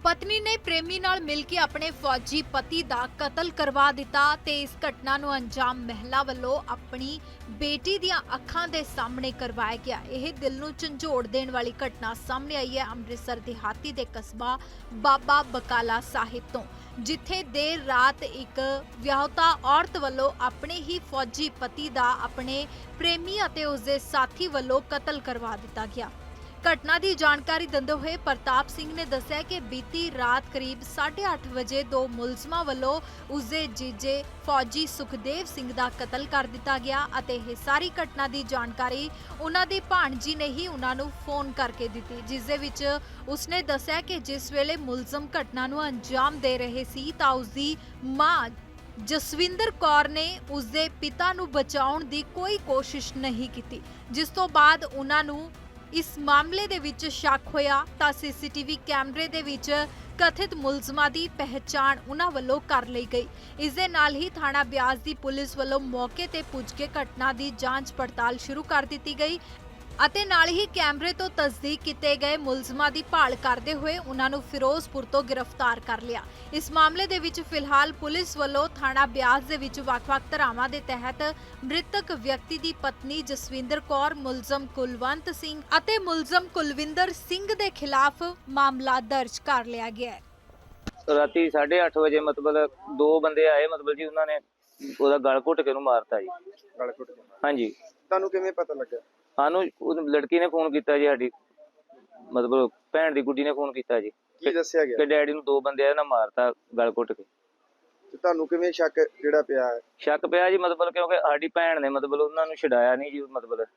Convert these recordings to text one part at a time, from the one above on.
ਪਤਨੀ ਨੇ ਪ੍ਰੇਮੀ ਨਾਲ ਮਿਲ ਕੇ ਆਪਣੇ ਫੌਜੀ ਪਤੀ ਦਾ ਕਤਲ ਕਰਵਾ ਦਿੱਤਾ ਤੇ ਇਸ ਘਟਨਾ ਨੂੰ ਅੰਜਾਮ ਮਹਿਲਾ ਵੱਲੋਂ ਆਪਣੀ ਬੇਟੀ ਦੀਆਂ ਅੱਖਾਂ ਦੇ ਸਾਹਮਣੇ ਕਰਵਾਇਆ ਗਿਆ। ਇਹ ਦਿਲ ਨੂੰ ਝੰਜੋੜ ਦੇਣ ਵਾਲੀ ਘਟਨਾ ਸਾਹਮਣੇ ਆਈ ਹੈ ਅੰਮ੍ਰਿਤਸਰ ਦਿਹਾਤੀ ਦੇ ਕਸਬਾ ਬਾਬਾ ਬਕਾਲਾ ਸਾਹਿਬ ਤੋਂ, ਜਿੱਥੇ ਦੇਰ ਰਾਤ ਇੱਕ ਵਿਆਹੁਤਾ ਔਰਤ ਵੱਲੋਂ ਆਪਣੇ ਹੀ ਫੌਜੀ ਪਤੀ ਦਾ ਆਪਣੇ ਪ੍ਰੇਮੀ ਅਤੇ ਉਸਦੇ ਸਾਥੀ ਵੱਲੋਂ ਕਤਲ ਕਰਵਾ ਦਿੱਤਾ ਗਿਆ। ਘਟਨਾ ਦੀ ਜਾਣਕਾਰੀ ਦਿੰਦੇ ਹੋਏ ਪ੍ਰਤਾਪ ਸਿੰਘ ਨੇ ਦੱਸਿਆ ਕਿ ਬੀਤੀ ਰਾਤ ਕਰੀਬ 8:30 ਵਜੇ ਦੋ ਮੁਲਜ਼ਮਾਂ ਵੱਲੋਂ ਉਸਦੇ ਜੀਜੇ ਫੌਜੀ ਸੁਖਦੇਵ ਸਿੰਘ ਦਾ ਕਤਲ ਕਰ ਦਿੱਤਾ ਗਿਆ ਅਤੇ ਇਹ ਸਾਰੀ ਘਟਨਾ ਦੀ ਜਾਣਕਾਰੀ ਉਹਨਾਂ ਦੀ ਭਾਣਜੀ ਨੇ ਹੀ ਉਹਨਾਂ ਨੂੰ ਫੋਨ ਕਰਕੇ ਦਿੱਤੀ, ਜਿਸ ਦੇ ਵਿੱਚ ਉਸਨੇ ਦੱਸਿਆ ਕਿ ਜਿਸ ਵੇਲੇ ਮੁਲਜ਼ਮ ਘਟਨਾ ਨੂੰ ਅੰਜਾਮ ਦੇ ਰਹੇ ਸੀ ਤਾਂ ਉਸਦੀ ਮਾਂ ਜਸਵਿੰਦਰ ਕੌਰ ਨੇ ਉਸਦੇ ਪਿਤਾ ਨੂੰ ਬਚਾਉਣ ਦੀ ਕੋਈ ਕੋਸ਼ਿਸ਼ ਨਹੀਂ ਕੀਤੀ, ਜਿਸ ਤੋਂ ਬਾਅਦ ਉਹਨਾਂ ਨੂੰ ਇਸ ਮਾਮਲੇ ਦੇ ਵਿੱਚ ਸ਼ੱਕ ਹੋਇਆ ਤਾਂ ਸੀਸੀਟੀਵੀ ਕੈਮਰੇ ਦੇ ਵਿੱਚ ਕਥਿਤ ਮੁਲਜ਼ਮਾਂ ਦੀ ਪਹਿਚਾਣ ਉਹਨਾਂ ਵੱਲੋਂ ਕਰ ਲਈ ਗਈ। ਇਸ ਦੇ ਨਾਲ ਹੀ ਥਾਣਾ ਬਿਆਸ ਦੀ ਪੁਲਿਸ ਵੱਲੋਂ ਮੌਕੇ ਤੇ ਪੁੱਜ ਕੇ ਘਟਨਾ ਦੀ ਜਾਂਚ ਪੜਤਾਲ ਸ਼ੁਰੂ ਕਰ ਦਿੱਤੀ ਗਈ ਅਤੇ ਨਾਲ ਹੀ ਕੈਮਰੇ ਤੋਂ ਤਸਦੀਕ ਕੀਤੇ ਗਏ ਮੁਲਜ਼ਮਾਂ ਦੀ ਭਾਲ ਕਰਦੇ ਹੋਏ ਉਹਨਾਂ ਨੂੰ ਫਿਰੋਜ਼ਪੁਰ ਤੋਂ ਗ੍ਰਿਫਤਾਰ ਕਰ ਲਿਆ। ਇਸ ਮਾਮਲੇ ਦੇ ਵਿੱਚ ਫਿਲਹਾਲ ਪੁਲਿਸ ਵੱਲੋਂ ਥਾਣਾ ਬਿਆਸ ਦੇ ਵਿੱਚ ਵੱਖ-ਵੱਖ ਧਾਰਾਵਾਂ ਦੇ ਤਹਿਤ ਮ੍ਰਿਤਕ ਵਿਅਕਤੀ ਦੀ ਪਤਨੀ ਜਸਵਿੰਦਰ ਕੌਰ, ਮੁਲਜ਼ਮ ਕੁਲਵੰਤ ਸਿੰਘ ਅਤੇ ਮੁਲਜ਼ਮ ਕੁਲਵਿੰਦਰ ਸਿੰਘ ਦੇ ਖਿਲਾਫ ਮਾਮਲਾ ਦਰਜ ਕਰ ਲਿਆ ਗਿਆ ਹੈ। ਰਾਤੀ 8:30 ਵਜੇ ਮਤਲਬ ਦੋ ਬੰਦੇ ਆਏ, ਮਤਲਬ ਜੀ ਉਹਨਾਂ ਨੇ ਉਹਦਾ ਗਲ ਘੁੱਟ ਕੇ ਉਹਨੂੰ ਮਾਰਤਾ ਜੀ। ਗਲ ਘੁੱਟ ਕੇ? ਹਾਂਜੀ। ਤੁਹਾਨੂੰ ਕਿਵੇਂ ਪਤਾ ਲੱਗਾ? ਸਾਨੂੰ ਉਹ ਲੜਕੀ ਨੇ ਫੋਨ ਕੀਤਾ ਜੀ, ਸਾਡੀ ਮਤਲਬ ਭੈਣ ਦੀ ਗੁੱਡੀ ਨੇ ਫੋਨ ਕੀਤਾ ਜੀ ਕੀ ਦੱਸਿਆ ਗਿਆ ਕਿ ਡੈਡੀ ਨੂੰ ਦੋ ਬੰਦੇ ਆ ਨਾ ਮਾਰਤਾ ਗਲ ਘੁੱਟ ਕੇ। ਤੇ ਤੁਹਾਨੂੰ ਕਿਵੇਂ ਸ਼ੱਕ ਜਿਹੜਾ ਪਿਆ ਹੈ? ਸ਼ੱਕ ਪਿਆ ਜੀ ਮਤਲਬ ਕਿਉਂਕਿ ਸਾਡੀ ਭੈਣ ਨੇ ਮਤਲਬ ਉਹਨਾਂ ਨੂੰ ਛਡਾਇਆ ਨਹੀਂ ਜੀ,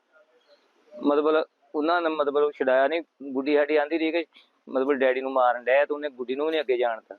ਮਤਲਬ ਉਹਨਾਂ ਨੇ ਮਤਲਬ ਛਡਾਇਆ ਨਹੀਂ। ਗੁੱਡੀ ਸਾਡੀ ਆਂਦੀ ਰਹੀ ਕਿ ਮਤਲਬ ਡੈਡੀ ਨੂੰ ਮਾਰਨ ਡਿਆ ਤੇ ਉਹਨੇ ਗੁੱਡੀ ਨੂੰ ਵੀ ਨਹੀਂ ਅੱਗੇ ਜਾਣਤਾ।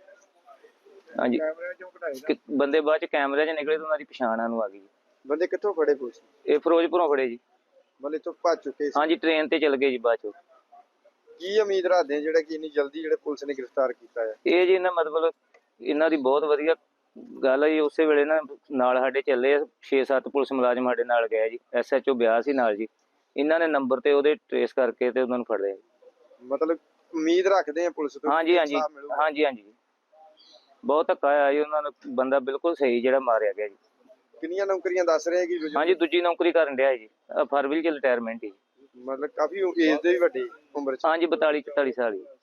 ਹਾਂਜੀ, ਕੈਮਰੇ ਚੋਂ ਕਢਾਏ ਬੰਦੇ ਬਾਅਦ ਚ ਕੈਮਰੇ 'ਚ ਨਿਕਲੇ ਤੇ ਉਹਨਾਂ ਦੀ ਪਛਾਣ ਨੂੰ ਆ ਗਈ। ਬੰਦੇ ਕਿੱਥੋਂ ਫੜੇ ਪੁਲਿਸ? ਇਹ ਫਿਰੋਜ਼ਪੁਰੋਂ ਫੜੇ ਜੀ। ਮਤਲਬ ਇੱਥੋਂ ਭੱਜ ਚੁੱਕੇ ਸੀ? ਹਾਂਜੀ, ਟ੍ਰੇਨ ਤੇ ਚਲ ਗਏ ਜੀ ਬਾਅਦ ਚੋਂ। ਕੀ ਉਮੀਦ ਰੱਖਦੇ ਆ ਜਿਹੜਾ ਕਿ ਇੰਨੀ ਜਲਦੀ ਜਿਹੜੇ ਪੁਲਿਸ ਨੇ ਗ੍ਰਿਫਤਾਰ ਕੀਤਾ ਹੈ? ਇਹ ਜੀ ਇਹਨਾਂ ਮਤਲਬ ਇਹਨਾਂ ਦੀ ਬਹੁਤ ਵਧੀਆ ਗੱਲ ਹੈ ਜੀ। ਉਸੇ ਵੇਲੇ ਨਾਲ ਸਾਡੇ ਚੱਲੇ 6-7 ਪੁਲਿਸ ਮੁਲਾਜ਼ਮ ਸਾਡੇ ਨਾਲ ਗਏ ਜੀ, SHO ਬਿਆਸ ਸੀ ਨਾਲ ਜੀ। ਇਹਨਾਂ ਨੇ ਨੰਬਰ ਤੇ ਉਹਦੇ ਟ੍ਰੇਸ ਕਰਕੇ ਤੇ ਉਹਨਾਂ ਨੂੰ ਫੜ ਲਿਆ। ਮਤਲਬ ਉਮੀਦ ਰੱਖਦੇ ਆ ਪੁਲਿਸ ਤੋਂ? ਹਾਂਜੀ ਬਹੁਤ ਧੱਕਾ ਆਇਆ ਜੀ ਉਹਨਾਂ ਨੂੰ। ਬੰਦਾ ਬਿਲਕੁਲ ਸਹੀ ਜਿਹੜਾ ਮਾਰਿਆ ਗਿਆ ਜੀ। ਕਿੰਨੀਆਂ ਨੌਕਰੀਆਂ ਦੱਸ ਰਹੇ ਕਿ? ਹਾਂਜੀ, ਦੂਜੀ ਨੌਕਰੀ ਕਰਨ ਡਿਆ ਜੀ, ਫਰਵਰੀ ਚ ਰਿਟਾਇਰਮੈਂਟ ਹੀ। ਮਤਲਬ ਕਾਫੀ ਏਜ ਦੇ ਵੀ ਵੱਡੀ ਉਮਰ ਚ? ਹਾਂਜੀ, 42-44 ਸਾਲ ਜੀ।